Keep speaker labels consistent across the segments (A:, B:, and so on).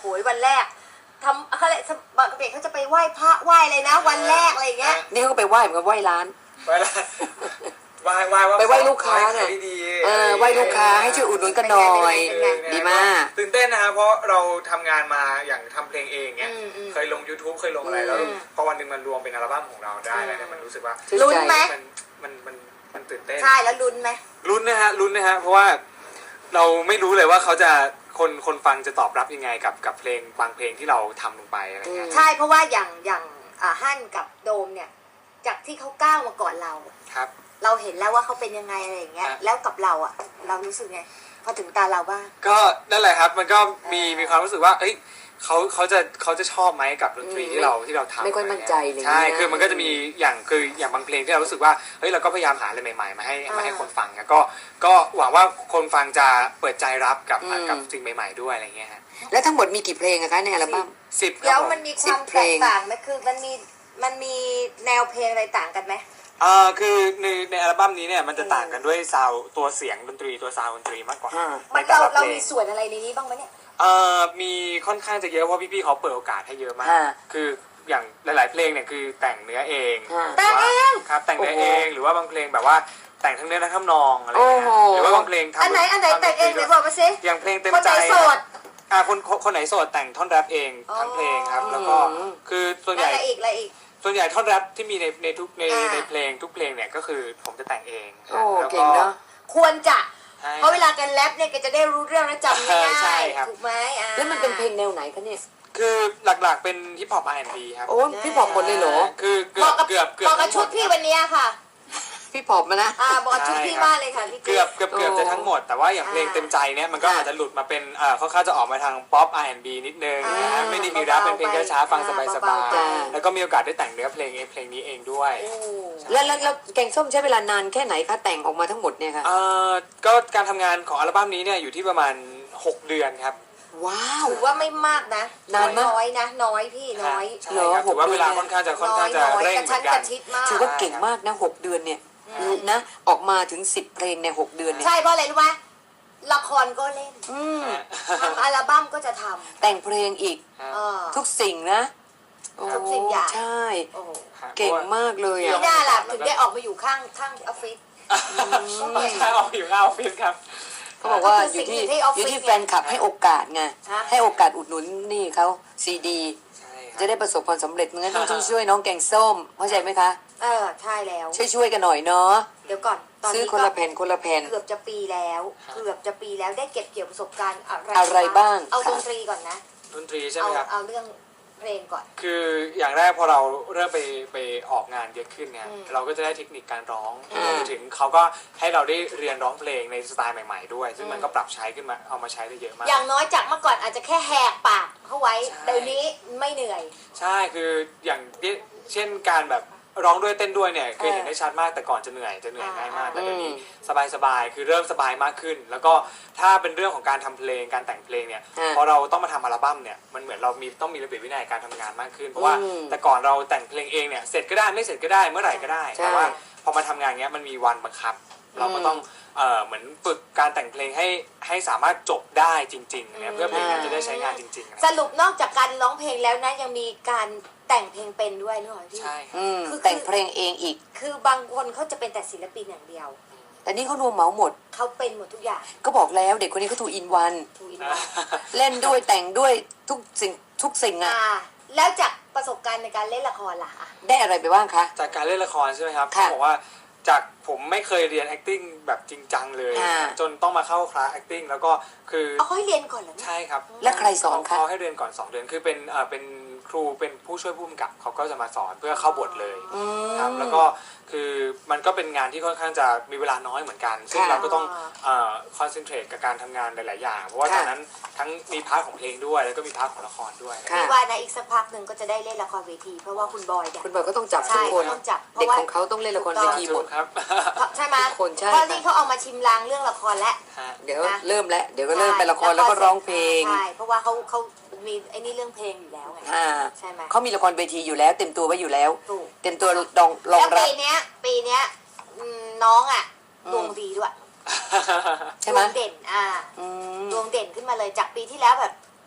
A: โหวันแรกทำเขาเลยบางเด็กเขาจะไปไหว้พระไหว้อะไรนะวันแรกอะไรเงี้ย
B: นี่เขาก็ไปไหว้เหมือนกับไหว้ร้าน
C: ไหว้ร้าน
B: ไปไหว้ลูกค้าไงไหว้ลูกค้าให้ช่วยอุดหนุนกันหน่อยดีมาก
C: ตื่นเต้นนะครับเพราะเราทำงานมาอย่างทำเพลงเองเนี่ยเคยลง YouTube เคยลงอะไรแล้วพอวันหนึ่งมันรวมเป็นอัลบั้มของเราได้แล้วเนี่ยมันรู้สึกว่า
A: ลุ้นไหม
C: มันตื่นเต้น
A: ใช่แล้วลุ้นไหม
C: ลุ้นนะฮะเพราะว่าเราไม่รู้เลยว่าเขาจะคนฟังจะตอบรับยังไงกับเพลงบางเพลงที่เราทำลงไปอะไรเงี้ย
A: ใช่เพราะว่าอย่างฮั่นกับโดมเนี่ยจากที่เขาก้าวมาก่อนเรา
C: ครับ
A: เราเห็นแล้วว่าเขาเป็นยังไงอะไรอย่างเงี้ยแล้วกับเราอ่ะเรารู้สึกไงพอถึงตาเราบ้าง
C: ก็นั่นแหละครับมันก็มีความรู้สึกว่าเอ้ยเขาจะชอบไหมกับดนตรีที่เราทำ
B: ไม่ค่อยมั่นใจเลย
C: ใช่คือมันก็จะมีอย่างบางเพลงที่เรารู้สึกว่าเฮ้ยเราก็พยายามหาอะไรใหม่ๆมาให้คนฟังนะก็หวังว่าคนฟังจะเปิดใจรับกับสิ่งใหม่ๆด้วยอะไรเงี้ยฮะ
B: แล้วทั้งหมดมีกี่เพลงอะคะในอัลบั้ม
C: 10
A: แล้วมันมีความแตกต่างไหมคือมันมีแนวเพลงอะไรต่างกันไหม
C: คือในอัลบั้มนี้เนี่ยมันจะต่างกันด้วยซาวตัวเสียงดนตรีตัวซาวดนตรีมากกว่า
A: เรามีส่วนอะไรในนี้บ้างไหมเนี่ย
C: มีค่อนข้างจะเยอะเพราะพี่ๆเขาเปิดโอกาสให้เยอะมากคืออย่างหลายๆเพลงเนี่ยคือแต่งเนื้อเอง
A: แต่งเอง
C: ครับแต่งเนื้อเองหรือว่าบางเพลงแบบว่าแต่งทั้งเนื้อทั้งทำนองอะไรเงี้ยหรือว่าบางเพลงทำ
A: อันไหนแต่งเองหรือบอกมาสิ
C: อย่างเพลงเต็มใจคนไหนโสดแต่งท่อนแรปเองทั้งเพลงครับแล้วก็คือส่วนใหญ่
A: อะไรอีก
C: ส่วนใหญ่ท่อนแรปที่มีในทุกในเพลงทุกเพลงเนี่ยก็คือผมจะแต่งเอง
B: แล้วก็
A: ควรจะเพราะเวลาแกแรปเนี่ยแกจะได้รู้เรื่องและจำง่ายๆถูกไหม
B: แล้วมันเป็นเพลงแนวไหนคะเนี่ย
C: คือหลักๆเป็นฮิปฮอป R&B ครับ
B: โอ้พี่พอปหมดเลยเหรอ
C: คือเกือบ
A: บอกกับชุดพี่วันนี้ค่ะ
B: พี่พอปมานะ
A: บอกชุดพี่มากเลยค่ะพี่
C: เกือบจะทั้งหมดแต่ว่าอย่างเพลงเต็มใจเนี่ยมันก็อาจจะหลุดมาเป็นค่อนข้างจะออกมาทางป๊อป R&B นิดนึงนะไม่ได้มีแรปเป็นเพลงช้าๆฟังสบายๆแล้วก็มีโอกาสได้แต่งเนื้อเพลงนี้เองด้วย
B: แล้วแกงส้มใช้เวลานานแค่ไหนคะแต่งออกมาทั้งหมดเนี่ยค่ะ
C: ก็การทำงานของอัลบั้มนี้เนี่ยอยู่ที่ประมาณ6 เดือนครับ
B: ว้าว
A: ถือว่าไม่มากนะน้อยนะน้อยพี่น้อย
C: เหรอถือว่าเวลาค่อนข้างจะเร่งเหมือนกัน
B: ถือว่าเก่งมากนะ6 เดือนเนี่ยนะออกมาถึง10 เพลงใน6 เดือนเนี่ย
A: ใช่เพราะอะไรรู้ไหมละครก็เล่นทำอัลบั้มก็จะทำ
B: แต่งเพลงอีกทุกสิ่งนะ
A: ทุกสิ่งอย่าง
B: ใช่เก่งมากเลย
A: อ่ะที่น่าล่ะถึงได้ออกมาอยู่ข้างออฟฟิศ
C: ออกอยู่ข้างออฟฟิศครับ
B: เขาบอกว่าอยู่ที่แฟนคลับให้โอกาสไงให้โอกาสอุดหนุนนี่เขาซีดีจะได้ประสบความสำเร็จงั้นต้องช่วยน้องแกงส้มเข้าใจไหมคะ
A: ใช่แล้ว
B: ช่วยกันหน่อยเนาะ
A: เดี๋ยวก่อนตอนนี้
B: ซื้อคนละแผ่น
A: เกือบจะปีแล้วได้เก็บเกี่ยวประสบการณ์
B: อะไรบ้าง
A: เอาดนตรีก่อนนะ
C: ดนตรีใช่ไหมครับ
A: เอาเรื่องเพลงก่อน
C: คืออย่างแรกพอเราเริ่มไปออกงานเยอะขึ้นเนี่ยเราก็จะได้เทคนิคการร้องถึงเขาก็ให้เราได้เรียนร้องเพลงในสไตล์ใหม่ๆด้วยซึ่งมันก็ปรับใช้ขึ้นมาเอามาใช้ได้เยอะมาก
A: อย่างน้อยจากเมื่อก่อนอาจจะแค่แหกปากเข้าไว้เดี๋ยวนี้ไม่เหนื่อย
C: ใช่คืออย่างเช่นการแบบร้องด้วยเต้นด้วยเนี่ยเคยเห็นได้ชัดมากแต่ก่อนจะเหนื่อยง่ายมากแต่เดี๋ยวนี้สบายคือเริ่มสบายมากขึ้นแล้วก็ถ้าเป็นเรื่องของการทำเพลงการแต่งเพลงเนี่ยพอเราต้องมาทำอัลบั้มเนี่ยมันเหมือนเราต้องมีระเบียบวินัยการทำงานมากขึ้นเพราะว่าแต่ก่อนเราแต่งเพลงเองเนี่ยเสร็จก็ได้ไม่เสร็จก็ได้เมื่อไหร่ก็ได้แต่ว่าพอมาทำงานเงี้ยมันมีวันบังคับเราก็ต้องเหมือนฝึกการแต่งเพลงให้สามารถจบได้จริงๆเนี่ยเพื่อเพลงนั้นจะได้ใช้งานจริง
A: ๆสรุปนอกจากการร้องเพลงแล้วนะยังมีการแต่งเพลงเป็นด้วยนึกออกไหมพี่
C: ใช่
B: คือแต่งเพลงเองอีก
A: คือบางคนเขาจะเป็นแต่ศิลปินอย่างเดียว
B: แต่นี่เขารวมเหมาหมด
A: เขาเป็นหมดทุกอย่าง
B: ก็บอกแล้วเด็กคนนี้เขาทูอินวันเล่นด้วยแต่งด้วยทุกสิ่งอ่ะ
A: แล้วจากประสบการณ์ในการเล่นละครล่ะ
B: ได้อะไรไปบ้างคะ
C: จากการเล่นละครใช่ไหมครับเขาบอกว่าจากผมไม่เคยเรียน acting แบบจริงจังเลยจนต้องมาเข้าคลาส acting แล้วก็คือ
A: เขาให้เรียนก่อนเหรอ
C: ใช่ครับ
B: และใครสอนคะ
C: เขาให้เรียนก่อน2 เดือนคือเป็นครูเป็นผู้ช่วยผู้กำกับเขาก็จะมาสอนเพื่อเข้าบทเลยครับแล้วก็คือมันก็เป็นงานที่ค่อนข้างจะมีเวลาน้อยเหมือนกันซึ่งเราก็ต้องคอนเซนเทรตกับการทำงานหลายๆอย่างเพราะว่าตอนนั้นทั้งมีพาร์ทของเพลงด้วยแล้วก็มีพาร์ทของละครด้วย
A: พี่ว่านะอีกสักพักหนึ่งก็จะได้เล่นละครเวทีเพราะว่าคุณบอย
B: ก็ต้องจับทุกคนเด็กของเขาต้องเล่นละครเวทีหมด
C: ครับ
A: ใช่ไหมเพราะนี่เขาเอามาชิมลางเรื่องละครแล้ว
B: เดี๋ยวเริ่มแล้วเดี๋ยวก็เริ่มเป็นละครแล้วก็ร้องเพลง
A: ใช่เพราะว่าเขามีไอ้นี่เรื่องเพลงอยู่แล้วไงใช่ไหม
B: เขามีละครเวทีอยู่แล้วเต็มตัวไว้อยู่แล้วเต็มตัวรอง
A: รับ
B: แล้ว
A: ปีนี้น้องดวงดีด้วย
B: ใช่ไหม
A: ดวงเด่นดวงเด่นขึ้นมาเลยจากปีที่แล้วแบบ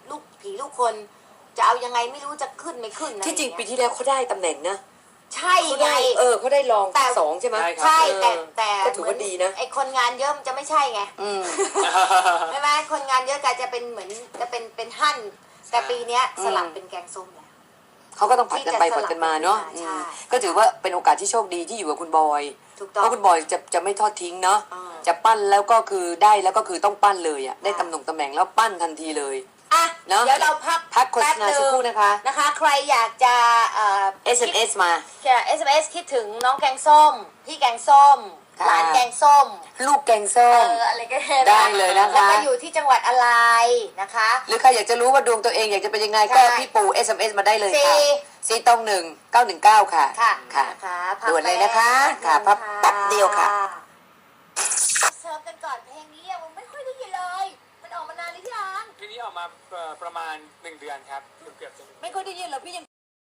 A: ลูกผีลูกคนจะเอายังไงไม่รู้จะขึ้นไม่ขึ้นนะ
B: ที่จริง
A: อะ
B: ปี
A: ไอย่าเย
B: ที่แล้วเขาได้ตำแหน่งนะ
A: ใช่
B: เขา
A: ไง
B: ได้เขาได้รอง
A: แต่
B: สองใช่ไหม
A: ใช่แต่
B: ก็ถือว่าดีนะ
A: ไอคนงานเยอะมันจะไม่ใช่ไง
B: อืม
A: ใช่ไหมคนงานเยอะกจะเป็นเหมือนจะเป็นหั่นแต่ปีเนี้ยสลับเป็นแกงส้มแล้ว
B: เขาก็ต้องผัดกันไปผัดกันมาเนาะ
A: ใช่
B: ก็ถือว่าเป็นโอกาสที่โชคดีที่อยู่กับคุณบอย
A: ถูก
B: เพ
A: ต้อง
B: ราะคุณบอยจะไม่ทอดทิ้งเนาะ
A: อ่า
B: จะปั้นแล้วก็คือได้แล้วก็คือต้องปั้นเลยอ่ะได้ตำแหน่งแล้วปั้นทันทีเลย
A: อ่ะ
B: เนอะ
A: เดี๋ยวเราพัก
B: โฆษณาสักครู่นะคะ
A: นะคะ ใครอยากจะ
B: SMS มา
A: SMS คิดถึงน้องแกงส้ม พี่แกงส้ม
B: ค่ะ
A: หลานแกงส้ม
B: ลูกแกงส้ม
A: อะไรก็
B: ได้เลยนะคะ
A: แล้วก็อยู่ที่จังหวัดอะไรนะคะ
B: หรือใครอยากจะรู้ว่าดวงตัวเองอยากจะเป็นยังไงก็
A: ใช่
B: พี่ปู SMS มาได้เลยค่ะ
A: 4
B: 421 ค่ะ
A: ค่ะ
B: ค่ะ
A: นะคะพัก
B: ด่วนเลยนะคะ
A: แป๊บ
B: ค่ะพักแป๊บเดียวค่ะ
A: เสิร์ฟกันก่อนเพลงนี้ยังไม่ค่อยได้ยินเลย มันออกมานานหรือยัง
C: เพลงนี้ออกมาประมาณ1 เดือนครับเกือบจะ1
B: ไม่ค่อยได้ยินหรอกพี่ยัง